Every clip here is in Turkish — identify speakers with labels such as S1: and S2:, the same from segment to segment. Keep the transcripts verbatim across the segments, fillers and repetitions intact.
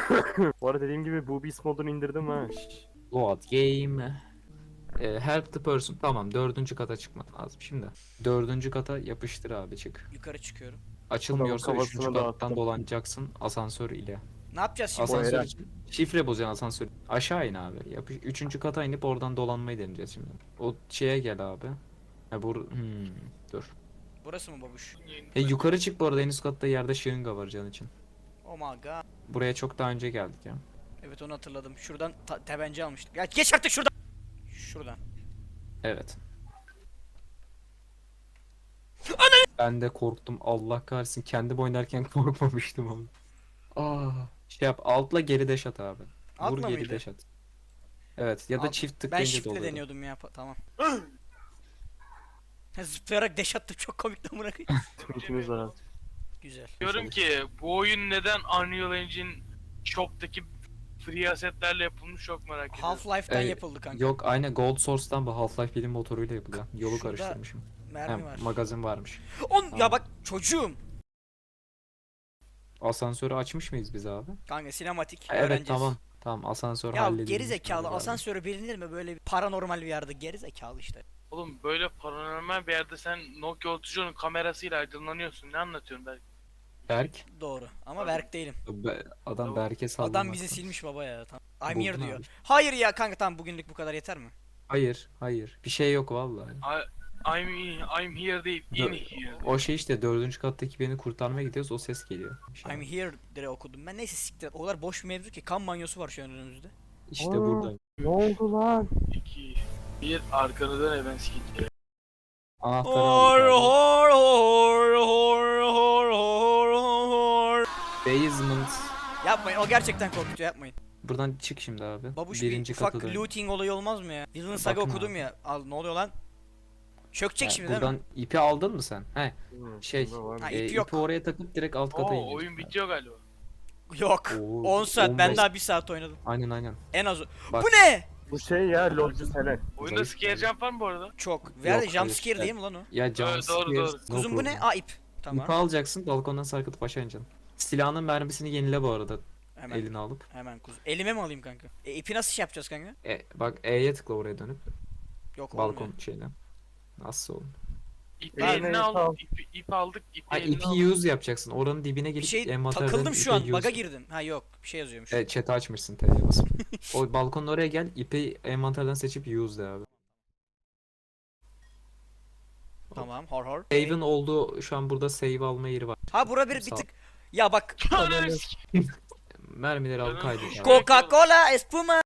S1: Bu arada dediğim gibi Boobies modunu indirdim ha.
S2: Load game. E, help the person. Tamam, dördüncü kata çıkman lazım şimdi. Dördüncü kata yapıştır abi, çık.
S3: Yukarı çıkıyorum.
S1: Adamın
S2: Açılmıyorsa üçüncü
S1: kafasını
S2: kattan
S1: dağıttım.
S2: dolanacaksın asansör ile.
S3: Ne yapacağız şimdi?
S1: O
S2: Asansör
S1: Eren.
S2: için şifre bozayan asansör. Aşağı in abi. Yapış. Üçüncü kata inip oradan dolanmayı deneyeceğiz şimdi. O şeye gel abi. Ha bu hmm, dur.
S3: Burası mı babuş?
S2: E yukarı çık, bu arada en üst katta yerde şırınga var can için.
S3: Oh my god.
S2: Buraya çok daha önce geldik ya.
S3: Evet, onu hatırladım. Şuradan ta- tebenci almıştık. Ya geç artık şuradan. Şuradan.
S2: Evet. Ben de korktum, Allah kahretsin, kendim oynarken korkmamıştım ama. Aa, şey yap, altla geri deş at abi. Vur
S3: Altla
S2: geri
S3: mıydı?
S2: deş at. Evet, ya da
S3: Alt-
S2: çift
S3: Ben
S2: tıklayınca
S3: shiftle
S2: doluyor.
S3: deniyordum ya. pa- Tamam. Ha, Zıplayarak deş attım, çok komik lan, bırakın.
S1: Tweetimiz var abi.
S3: Güzel.
S4: Diyorum ki bu oyun neden Unreal Engine Shop'taki free assetlerle yapılmış çok merak ediyorum.
S3: Half-Life'den
S2: Ee,
S3: yapıldı kanka.
S2: Yok, aynı Gold Source'tan bu Half-Life bilim motoruyla yapılıyor. Yolu
S3: Şurada
S2: karıştırmışım.
S3: Mermi
S2: Ha,
S3: var.
S2: magazin varmış.
S3: On ya
S2: Tamam.
S3: bak çocuğum.
S2: Asansörü açmış mıyız biz abi?
S3: Kanka sinematik
S2: Ha, evet,
S3: öğreneceğiz.
S2: tamam. Tamam, asansör
S3: Ya
S2: halledilmiş.
S3: geri zekalı
S2: abi.
S3: asansöre bilinir mi böyle bir paranormal bir yerde, geri zekalı işte.
S4: Oğlum böyle paranormal bir yerde sen Nokia otuz onun kamerasıyla aydınlanıyorsun. Ne anlatıyorsun belki?
S2: Berk.
S3: Doğru ama
S4: Abi.
S3: Berk değilim.
S2: Be- adam
S4: Tamam.
S2: Berk'e sallamakta.
S3: Adam bizi silmiş baba ya. Tamam. I'm
S2: Buldun
S3: here diyor.
S2: abi.
S3: Hayır ya kanka, tamam, bugünlük bu kadar yeter mi?
S2: Hayır, hayır. Bir şey yok vallahi.
S4: I, I'm I'm here değil, in
S2: Dö-
S4: here.
S2: O şey işte, dördüncü kattaki beni kurtarmaya gidiyoruz, o ses geliyor. Şey
S3: I'm here dire okudum. Ben neyse siktir et. O kadar boş bir mevzu ki, kan banyosu var şu an önümüzde.
S2: İşte
S1: Aa.
S2: burada.
S1: Ne oldu lan?
S4: iki, bir arkanı dön ben sikeceğim.
S2: Anahtarı
S3: Hor
S2: aldık abi.
S3: hor hor hor hor hor hor.
S2: Basement.
S3: Yapmayın, o gerçekten korkutuyor, yapmayın.
S2: Buradan çık şimdi abi.
S3: Babuş
S2: Birinci
S3: bir ufak
S2: kata dön.
S3: looting olayı olmaz mı ya? Villain Saga
S2: Bakın
S3: okudum
S2: abi.
S3: ya. Al, ne oluyor lan? Çökecek
S2: Ha,
S3: şimdi değil
S2: buradan
S3: mi?
S2: ipi aldın mı sen? He.
S1: Hmm,
S2: Şey,
S1: bunda var mı?
S3: Ha,
S2: e,
S3: ipi yok.
S2: ipi oraya takıp direkt alt kata
S4: Oo
S2: ineceğiz.
S4: oyun bitiyor galiba.
S3: Yok.
S2: Oo,
S3: on saat, ben
S2: on beş.
S3: daha bir saat oynadım.
S2: Aynen aynen.
S3: En az.
S2: Bak.
S3: Bu ne?
S1: Bu şey ya LoL'cu Selen.
S4: Oyunda
S2: Zayıf
S4: scare jump var mı bu arada?
S3: Çok. Verdi
S2: Yok,
S3: jump
S2: hayır.
S3: scare değil mi lan o?
S2: Ya
S4: Evet,
S2: jump
S4: doğru,
S2: scares,
S4: doğru.
S2: no
S3: Kuzum bu ne?
S2: problem.
S3: Aa, ip. Tamam.
S2: İpi alacaksın, balkondan sarkıtıp aşağı ineceksin. Silahının mermisini yenile bu arada,
S3: Hemen.
S2: eline alıp.
S3: Hemen kuz. Elime mi alayım kanka? E, ipi nasıl şey yapacağız kanka?
S2: E, bak E'ye tıkla oraya dönüp.
S3: Yok,
S2: Balkon
S3: olmuyor.
S2: şeyine. Nasıl olur?
S4: İpi
S1: Ben
S4: eline
S1: de
S4: al,
S1: tamam.
S4: ipi, ip aldık, ipi
S2: Ha,
S4: eline
S2: ipi
S4: al.
S2: use yapacaksın. Oranın dibine
S3: Bir
S2: gelip
S3: şey
S2: envanterden
S3: takıldım şu
S2: ipi
S3: an.
S2: use
S3: Baga
S2: yap.
S3: girdim. Ha yok, bir şey yazıyormuş.
S2: Evet, chat'i açmışsın T'ye basıp. O balkonun oraya gel, ipi envanterden seçip use de abi.
S3: Tamam, hor hor.
S2: Save'in olduğu, şu an burada save alma yeri var.
S3: Ha bura bir, bir
S2: Sağ ol.
S3: tık. Ya bak.
S4: Ananı sikeyim.
S2: Mermileri al,
S4: Canım.
S2: kaydet abi.
S3: Coca-Cola espuma.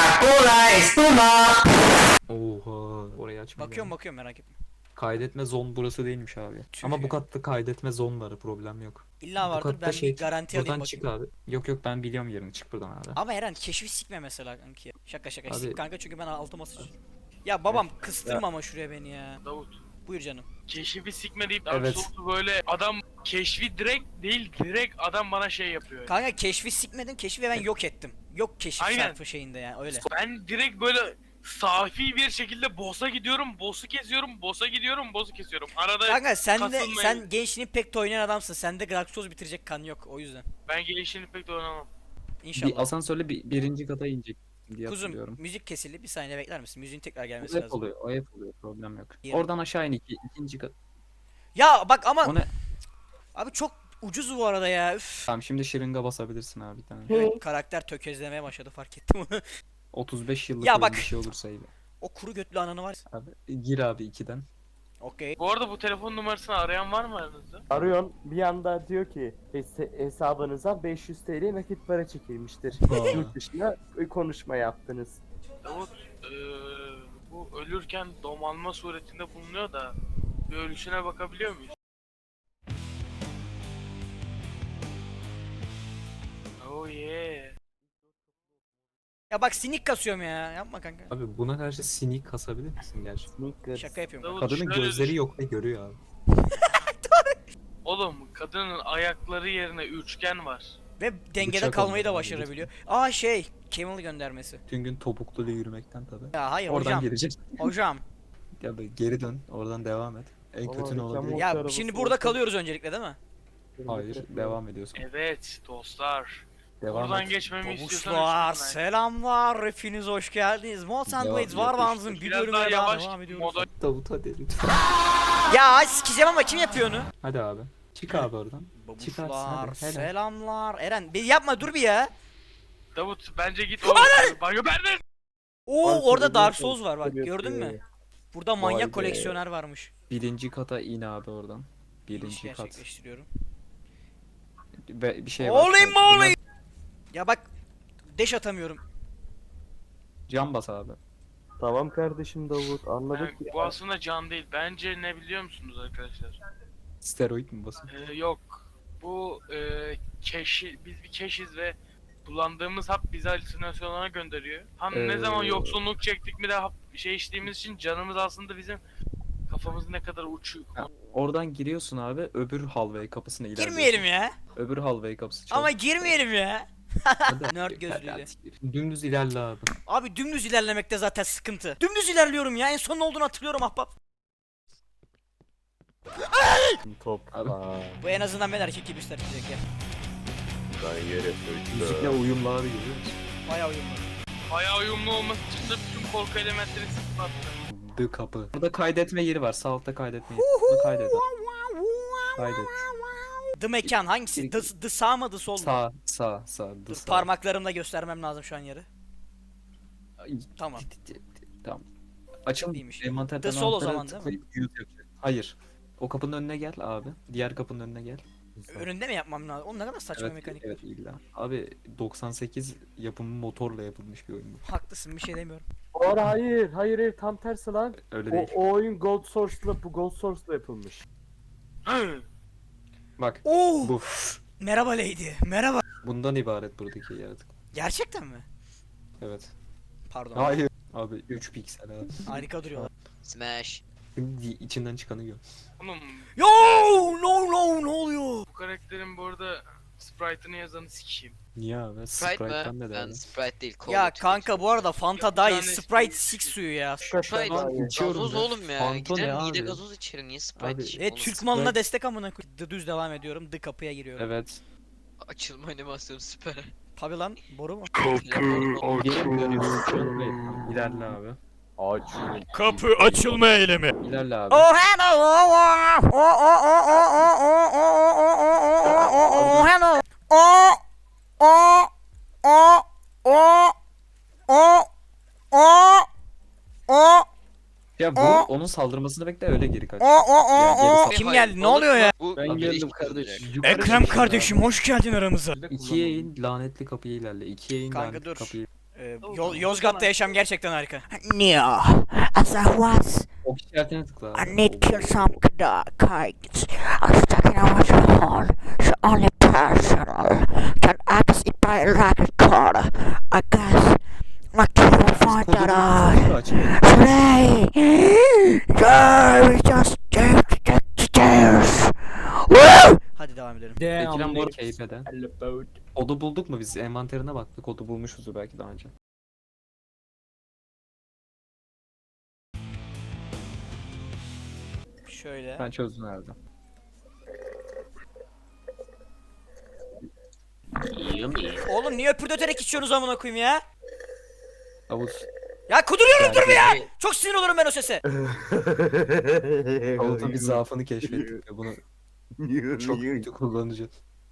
S2: Oha, orayı açmayı
S3: Bakıyorum
S2: yani.
S3: bakıyorum, merak etme.
S2: Kaydetme zon burası değilmiş abi.
S3: Tüh
S2: Ama
S3: ya.
S2: bu katta kaydetme zon var, problem yok.
S3: İlla
S2: Bu
S3: vardır,
S2: katta
S3: ben
S2: şey,
S3: bir garanti
S2: buradan
S3: alayım
S2: çık
S3: bakayım.
S2: abi. Yok yok, ben biliyorum yerini, çık buradan abi.
S3: Ama Eren keşfi sikme mesela kanki. Şaka şaka
S2: Abi-
S3: sik kanka, çünkü ben altıma sıçıyorum. Ya babam kıstırma ama şuraya beni ya.
S4: Davut.
S3: Buyur canım.
S4: Keşfi sikme deyip
S2: Evet.
S4: evet. böyle adam keşfi direkt değil direkt adam bana şey yapıyor. Yani.
S3: Kanka keşfi sikmedim, keşfi ben yok ettim. Yok keşif
S4: Aynen.
S3: çarpı şeyinde yani, öyle.
S4: Ben direkt böyle safi bir şekilde boss'a gidiyorum, boss'u kesiyorum, boss'a gidiyorum, boss'u kesiyorum. Arada
S3: Kanka sen de
S4: kasılmayın.
S3: sen gençliğin pek de oynayan adamsın. Sende Dark Souls bitirecek kan yok, o yüzden.
S4: ben gelişini pek de oynamam.
S3: İnşallah.
S2: Bir asansörle bir, birinci kata inecek diye
S3: Kuzum
S2: hatırlıyorum.
S3: müzik kesildi, bir saniye bekler misin? Müziğin tekrar
S2: O
S3: gelmesi
S2: hep
S3: lazım.
S2: oluyor, o hep oluyor, problem yok.
S3: Yerim.
S2: Oradan aşağı in, iki, ikinci kat.
S3: Ya bak ama
S2: O ne?
S3: abi çok ucuz bu arada ya. Üf.
S2: Tamam, şimdi şırınga basabilirsin abi bir tane.
S3: Evet, karakter tökezlemeye başladı, fark ettim onu.
S2: otuz beş yıllık
S3: Ya
S2: oyun
S3: bak.
S2: bir şey olursa iyi.
S3: O kuru götlü ananı var.
S2: Abi gir abi ikiden.
S3: Okey.
S4: Bu arada bu telefon numarasını arayan var mı aranızda?
S1: Arıyorsun bir anda diyor ki "Hes- hesabınıza beş yüz T L nakit para çekilmiştir.
S2: Aa.
S1: Yurt dışına konuşma yaptınız.
S4: Davut eee, bu ölürken domalma suretinde bulunuyor da bir ölüşüne bakabiliyor muyuz? Oh yeah.
S3: Ya bak sinik kasıyorum ya. Yapma kanka.
S2: Abi buna karşı sinik kasabilir misin gerçekten?
S1: Sneakers.
S3: Şaka yapıyorum.
S4: Davut,
S2: Kadının
S4: şöyle
S2: gözleri
S4: düşün.
S2: yok ve görüyor abi.
S4: Oğlum kadının ayakları yerine üçgen var.
S3: Ve dengede
S2: Bıçak
S3: kalmayı da
S2: olmadan
S3: başarabiliyor. Aa şey, Camel göndermesi.
S2: Tüm gün topukluyla yürümekten tabi.
S3: Ya hayır
S2: Oradan
S3: hocam.
S2: girecek.
S3: Hocam.
S2: Ya be, geri dön, oradan devam et. En
S1: Ama
S2: kötü ne
S1: reklam
S2: olabilir?
S1: oldu.
S3: Ya
S1: arabası
S3: şimdi burada
S1: olsa-
S3: kalıyoruz öncelikle değil mi?
S2: Hayır, devam ediyorsun.
S4: Evet dostlar.
S2: Devam
S4: Buradan
S2: et.
S4: geçmemi istiyorsan
S3: Babuşlar
S4: üstünden.
S3: selamlar, hepiniz hoş geldiniz. Malt and
S2: Devam,
S3: Blades Warbands'ın
S2: yapıştır.
S3: bir
S4: Biraz
S3: bölümüne
S4: daha
S3: daha
S4: yavaş
S3: devam
S4: git,
S3: ediyoruz.
S4: moda
S2: Davut hadi lütfen.
S3: Ya sikeceğim ama kim yapıyor onu?
S2: Hadi abi. Çık abi oradan. Çıkarsın
S3: Babuşlar
S2: hadi. Helal.
S3: selamlar. Eren bir yapma dur bir ya.
S4: Davut bence git o banyo benden.
S3: Oo
S1: Abi,
S3: orada
S1: tabii,
S3: Dark
S1: tabii,
S3: Souls var bak
S1: tabii
S3: gördün
S1: yapıyor
S3: mü?
S1: ya.
S3: Burada
S1: Vay
S3: manyak
S1: be.
S3: koleksiyoner varmış.
S2: Birinci kata in abi oradan.
S3: İniş
S2: Birinci kat.
S3: gerçekleştiriyorum.
S2: Ve bir şey var.
S3: Holy
S2: Evet,
S3: moly!
S2: bunlar-
S3: Ya bak deş atamıyorum.
S2: Cam bas abi.
S1: Tamam kardeşim Davut anladık
S4: Yani
S1: ya.
S4: bu aslında can değil. Bence ne biliyor musunuz arkadaşlar?
S2: Steroid mi basın?
S4: Ee, yok. Bu e, keşi, biz bir keşiz ve kullandığımız hap bizi halüsinasyonlara gönderiyor. Hani ne
S2: Ee,
S4: zaman yoksunluk çektik mi de hap, şey içtiğimiz için canımız aslında bizim kafamız ne kadar uçuyor.
S2: Ha, oradan giriyorsun abi, öbür hallway kapısına ilerliyorsun.
S3: Girmeyelim ya.
S2: Öbür hallway kapısı çal.
S3: Ama girmeyelim ya.
S2: Hadi.
S3: Nerd gözlüğüyle.
S2: Hadi. Dümdüz ilerle abi.
S3: Abi dümdüz ilerlemekte zaten sıkıntı. Dümdüz ilerliyorum ya. En son ne olduğunu hatırlıyorum ahbap.
S1: Topla.
S3: Bu en azından ben erkek gibi hissetmeyecek ya.
S1: Ben yere
S2: Müzikle uyumlu abi görüyor musun?
S3: Bayağı uyumlu.
S4: Bayağı uyumlu olması için de bütün korku elementleri sıfırlattı.
S2: The kapı. Burada kaydetme yeri var. Sağ altta kaydetme yeri. Burada kaydet abi. Kaydet.
S3: The mekan hangisi? The, the sağ mı the sol mu?
S2: Sağ, sağ, sağ. The
S3: Dur
S2: sağ.
S3: parmaklarımla göstermem lazım şu an yeri.
S2: Ay,
S3: Tamam.
S2: Tamam. Açıl.
S3: İyiymiş.
S2: Envanterden
S3: The sol o
S2: anahtarı
S3: zaman, değil mi?
S2: tıklayıp use yapacak. Hayır. O kapının önüne gel abi. Diğer kapının önüne gel.
S3: Önünde mi yapmam lazım? Oğlum ne kadar saçma
S2: Evet,
S3: mekanik.
S2: evet illa. Abi doksan sekiz yapımı motorla yapılmış bir oyun bu.
S3: Haklısın bir şey demiyorum.
S1: Hayır hayır hayır hayır, tam tersi lan.
S2: Öyle
S1: O,
S2: değil.
S1: o oyun Gold Source'la bu Gold Source'la yapılmış.
S4: Hı.
S2: Bak
S3: Oo!
S2: bu.
S3: Merhaba Lady. Merhaba.
S2: Bundan ibaret buradaki yaratık.
S3: Gerçekten mi?
S2: Evet.
S3: Pardon.
S2: Hayır. Abi üç piksel abi.
S3: Harika duruyorlar.
S5: Smash.
S2: Şimdi içinden çıkanı gör.
S4: Oğlum
S3: Yo! No no ne oluyor?
S4: bu karakterin bu arada sprite'ını yazanı sikeyim.
S2: Niye abi?
S5: Sprite
S2: Sprite'den
S5: mi?
S2: ne
S5: Ben
S2: derdi?
S5: Sprite değil. Cola
S3: Ya
S5: tüketiyorum.
S3: kanka bu arada Fanta
S4: Ya,
S3: daha iyi.
S4: bir tane
S3: Sprite
S4: şey-
S3: sik suyu ya.
S5: Sprite
S1: Lan
S2: içiyorum
S5: gazoz
S2: ya.
S5: oğlum ya.
S2: Fanto ne
S5: Gider mide
S2: abi?
S5: gazoz içerim. Niye Sprite
S2: Abi-
S5: içeyim
S3: Evet
S5: oğlum?
S3: Türk
S2: Sprite-
S3: malına destek amına koy. The düz devam ediyorum. The kapıya giriyorum.
S2: Evet.
S5: Açılma animasyonu süper.
S3: Tabi lan boru mu?
S2: Gelin görüyorsun. İlerle abi.
S1: Aç.
S3: Kapı açılma eylemi.
S2: İlerle abi.
S3: Oh hello. Oh oh oh oh oh oh oh oh oh oh hello. Oh oh oh oh oh oh oh
S2: Ya bu
S3: Aa!
S2: onun saldırmasını bekle öyle geri kaç.
S3: oh oh
S2: Ya,
S3: oh
S2: geri
S3: oh.
S2: sal-
S3: Kim
S5: Hayır,
S3: geldi? Ne
S5: balık
S3: oluyor
S5: mı?
S3: ya?
S5: Bu
S2: Ben
S5: ateş
S2: geldim
S5: olacak.
S2: kardeşim.
S3: Ekrem kardeşim hoş geldin aramıza.
S2: İkiye in lanetli kapıya ilerle. İkiye in
S3: Kanka
S2: lanetli
S3: dur.
S2: kapıyı.
S3: Ee, Yo- Yozgat'ta yaşam gerçekten harika.
S6: Neo, as I was,
S2: Ok işaretine tıkla abi.
S6: I need to kill some kites. I'm stuck in a water hole. The only person can access it by electric cord. I guess my kid will find that out. Today, there we just take the stairs. Woo!
S3: Hadi devam edelim.
S2: Ekrem bu arada keyfeden. Kodu bulduk mu biz? Envanterine baktık. Kodu bulmuşuzdur belki daha önce.
S3: Şöyle.
S2: Ben çözdüm herhalde.
S3: Oğlum niye öpürdöterek içiyorsunuz amına koyayım ya?
S2: Davut.
S3: Ya kuduruyorum dur bir ya.
S5: Yani
S3: Çok sinir olurum ben o sese.
S2: Davut'un bir zaafını keşfettik ve bunu çok kötü kullanacağız.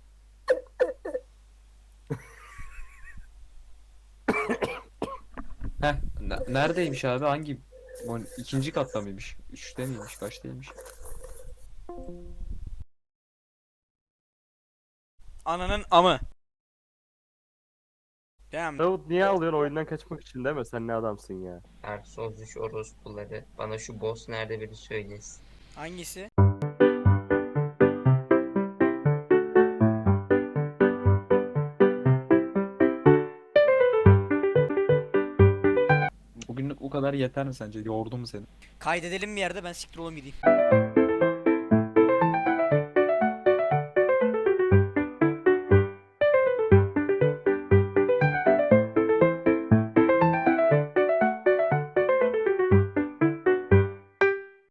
S2: Heh, ne- neredeymiş abi? Hangi? mon- İkinci katta mıymış? Üçte miymiş? Kaçtaymış?
S3: Ananın amı. Damn.
S1: Davut niye alıyorsun oyundan kaçmak için değil mi? Sen ne adamsın ya.
S7: Dark Souls üç orospuları. Bana şu boss nerede biri söylesin.
S3: Hangisi?
S2: Bugünlük bu kadar yeter mi sence? Yordum mu seni?
S3: Kaydedelim bir yerde ben siktir olayım gideyim.